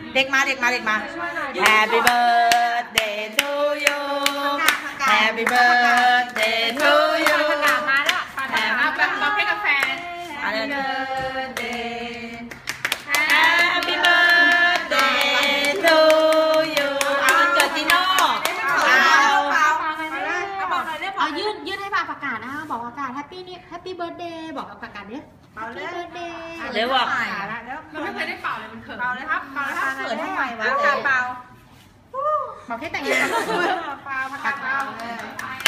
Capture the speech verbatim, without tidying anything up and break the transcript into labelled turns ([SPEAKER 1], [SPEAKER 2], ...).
[SPEAKER 1] เด็กมาเด็กมาเด็กมา Happy birthday to you Happy birthday to you
[SPEAKER 2] ประกาศมาแล้วประกาศมาแบบร้องเพลงกับแฟน
[SPEAKER 1] Happy birthday Happy birthday to you เอาวันเกิดจีโน่เอา
[SPEAKER 2] เอายื่นยื่นให้ปาประกาศนะบอกประกาศ Happy นี่ Happy birthday บอกประกาศเนี่ย Happy birthday
[SPEAKER 1] เดี๋ยวบอก
[SPEAKER 2] มันไม่เคยได้เป่าเลยมันเขิน
[SPEAKER 3] เป่าเลยครับเป่าเลยครับ
[SPEAKER 1] เขินทำไมวะ
[SPEAKER 3] เป่า
[SPEAKER 2] บอกแค่แต่งงาน
[SPEAKER 3] เป่าประกาศเป่า